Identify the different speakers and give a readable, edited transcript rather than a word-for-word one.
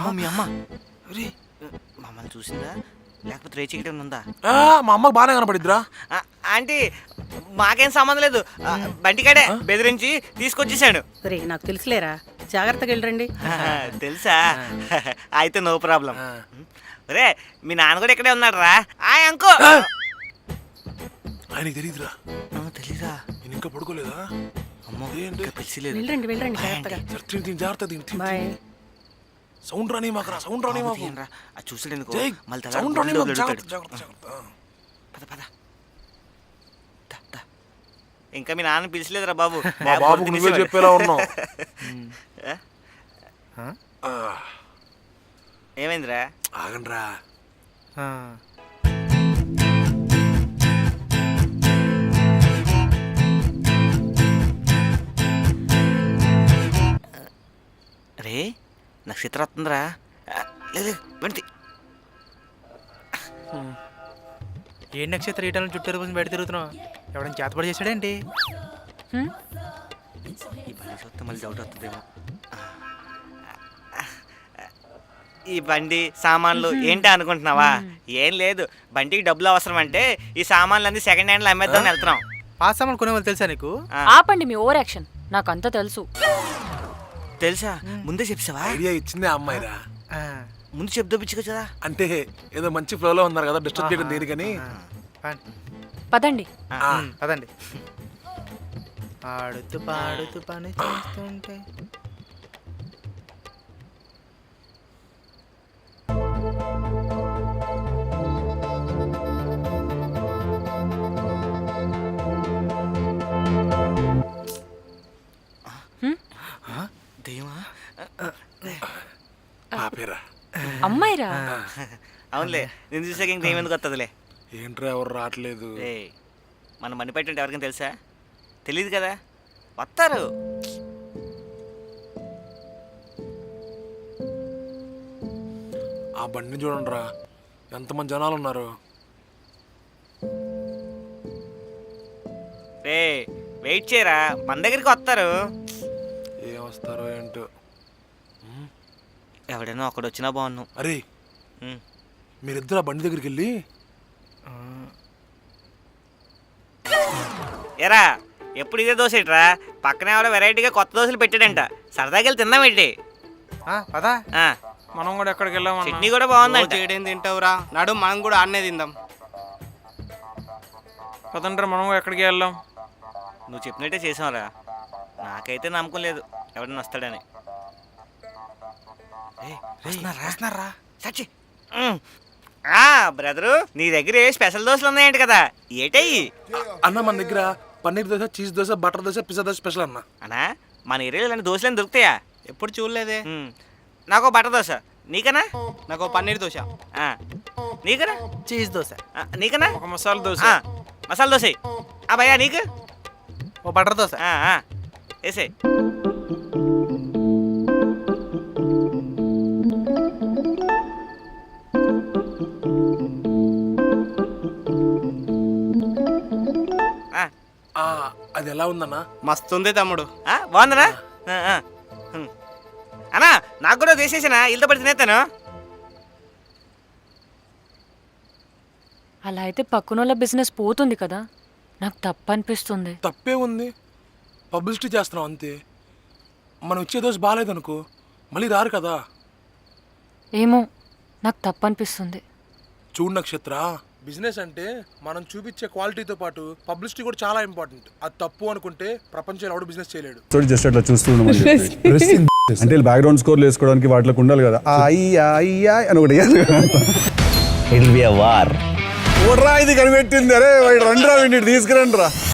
Speaker 1: అమ్మ మీ అమ్మ మమ్మల్ని చూసిందా లేకపోతే రేచికటం ఉందా?
Speaker 2: మా అమ్మకి బాగానే కనపడిద్దిరా.
Speaker 1: ఆంటీ మాకేం సంబంధం లేదు, బంటికాడే బెదిరించి తీసుకొచ్చేసాడు.
Speaker 3: రే నాకు తెలుసులేరా, జాగ్రత్తగా వెళ్ళరండి.
Speaker 1: తెలుసా? అయితే నో ప్రాబ్లం. రే మీ నాన్న కూడా ఇక్కడే ఉన్నాడు రా. అంకో
Speaker 2: ఆయనకి తెలియదురా.
Speaker 1: తెలీదా?
Speaker 2: నేను ఇంకా పడుకోలేదా?
Speaker 1: అమ్మో పిలిచిలేదు.
Speaker 3: వెళ్ళరండి వెళ్ళరండి జాగ్రత్తగా.
Speaker 2: జాగ్రత్త.
Speaker 3: బాయ్.
Speaker 2: సౌండ్ రాని మాకు సౌండ్ రాని మాకు.
Speaker 1: అది చూసాడు
Speaker 2: సౌండ్ రాని మాకు. జాగ్రత్త.
Speaker 1: పద పద. ఇంకా మీ నాన్న పిలిచలేదురా బాబు.
Speaker 2: మా బాబుకు నువ్వే చెప్పేలా ఉన్నావు.
Speaker 1: ఏమైందిరా?
Speaker 2: ఆగండ్రా.
Speaker 1: రే నక్షత్రం వస్తుందిరా. లేదు వెంటి.
Speaker 4: ఏ నక్షత్రం ఈటలను చుట్టూ రోజు బయట తిరుగుతున్నావు? ఎవడైనా చేతపడి చేశాడేంటి?
Speaker 1: ఈ బండి చూస్తే మళ్ళీ డౌట్ వస్తుందేమో. ఈ బండి సామాన్లు ఏంటి అనుకుంటున్నావా? ఏం లేదు, బండికి డబ్బులు అవసరం అంటే ఈ సామాన్లు అన్ని సెకండ్ హ్యాండ్లో అమ్మేద్దామని వెళ్తున్నాం.
Speaker 4: ఆ సామాన్లు కొనేవాళ్ళు తెలుసా నీకు?
Speaker 5: ఆపండి మీ ఓవర్ యాక్షన్, నాకంతా తెలుసు.
Speaker 1: తెలుసా? ముందే చెప్పావా?
Speaker 2: ఐడియా ఇచ్చిందే అమ్మాయిరా.
Speaker 1: ముందు చెప్దోపించుకో కదా.
Speaker 2: అంటే ఏదో మంచి ఫ్లోలో ఉన్నారు కదా, డిస్టర్బ్ చేయడం దేనికని.
Speaker 5: పదండి.
Speaker 4: పదండి. ఆడుతూ పాడుతూ పని చేస్తుంటే
Speaker 1: దెయ్యమా?
Speaker 2: పాపేరా.
Speaker 5: అమ్మాయిరా?
Speaker 1: అవునులే, నేను చూసాక ఇంక దెయ్యం ఎందుకు వస్తుందిలే.
Speaker 2: ఏంట్రా ఎవరు రావట్లేదు?
Speaker 1: మనం మనీ పెట్టండి ఎవరికైనా తెలుసా? తెలీదు కదా, వస్తారు.
Speaker 2: ఆ బండిని చూడండి రా, ఎంతమంది జనాలు ఉన్నారు.
Speaker 1: రే వెయిట్ చేయరా, మన దగ్గరికి వస్తారు.
Speaker 2: ఏం వస్తారో ఏంటో.
Speaker 1: ఎవడైనా ఒకడు వచ్చినా బాగున్నావు.
Speaker 2: అరే మీరిద్దరు ఆ బండి దగ్గరికి వెళ్ళి
Speaker 1: ఎరా ఎప్పుడు ఇదే దోశ ఇట్రా, పక్కనే ఎవడో వెరైటీగా కొత్త దోశలు పెట్టాడంట, సరదాకి వెళ్ళి తిందాం ఏంటి?
Speaker 4: పదా మనం కూడా ఎక్కడికి వెళ్ళాం?
Speaker 1: చట్నీ కూడా బాగుందంట.
Speaker 6: చేయడం తింటావురా, నడు మనం కూడా ఆడనే తిందాం.
Speaker 4: పదండ్రా మనం కూడా ఎక్కడికి వెళ్ళాం?
Speaker 1: నువ్వు చెప్పినట్టే చేసావురా, నాకైతే నమ్మకం లేదు ఎవడన్నా వస్తాడని. బ్రదరు నీ దగ్గర స్పెషల్ దోశలు ఉన్నాయంట కదా, ఏటయ్యి?
Speaker 2: అన్న మన దగ్గర paneer dosa, cheese dosa, butter dosa, pizza dosa special అన్న.
Speaker 1: అన్నా మన ఏరియాలో ఇలాంటి దోశలు దొరుకుతాయా?
Speaker 6: ఎప్పుడు చూడలేదే.
Speaker 1: నాకు బటర్ దోశ, నీకనా?
Speaker 6: నాకు పన్నీర్ దోశ.
Speaker 1: నీకనా?
Speaker 4: చీజ్ దోశ.
Speaker 1: నీకనా?
Speaker 4: ఒక మసాలా దోశ.
Speaker 1: మసాలా దోశ. భయ్యా నీకు?
Speaker 4: ఓ బటర్ దోశ.
Speaker 1: వేసే.
Speaker 2: అది ఎలా ఉందన్నా?
Speaker 6: మస్తుంది తమ్ముడు.
Speaker 1: బాగుందనా? అన్నా నాకు కూడా వేసేసినా, ఇల్లు పడి తినేస్తాను.
Speaker 5: అలా అయితే పక్కనోళ్ళ బిజినెస్ పోతుంది కదా, నాకు తప్పు అనిపిస్తుంది.
Speaker 2: తప్పే ఉంది, పబ్లిసిటీ చేస్తున్నాం అంతే. మనం ఇచ్చే దోశ బాగాలేదనుకో మళ్ళీ రారు కదా.
Speaker 5: ఏమో నాకు తప్పు అనిపిస్తుంది.
Speaker 2: చూడు నక్షత్ర, బిజినెస్ అంటే మనం చూపించే క్వాలిటీతో పాటు పబ్లిసిటీ కూడా చాలా ఇంపార్టెంట్. అది తప్పు అనుకుంటే ప్రపంచంలో ఎవడు బిజినెస్ చేయలేడు.
Speaker 7: జస్ట్ అట్లా చూస్తున్నాం అంటే బ్యాక్గ్రౌండ్ స్కోర్లు వేసుకోవడానికి వాటిలోకి ఉండాలి కదా. అని ఒకటి ఇది కనిపెట్టింది. అరే రండి రా, తీసుకురండి రా.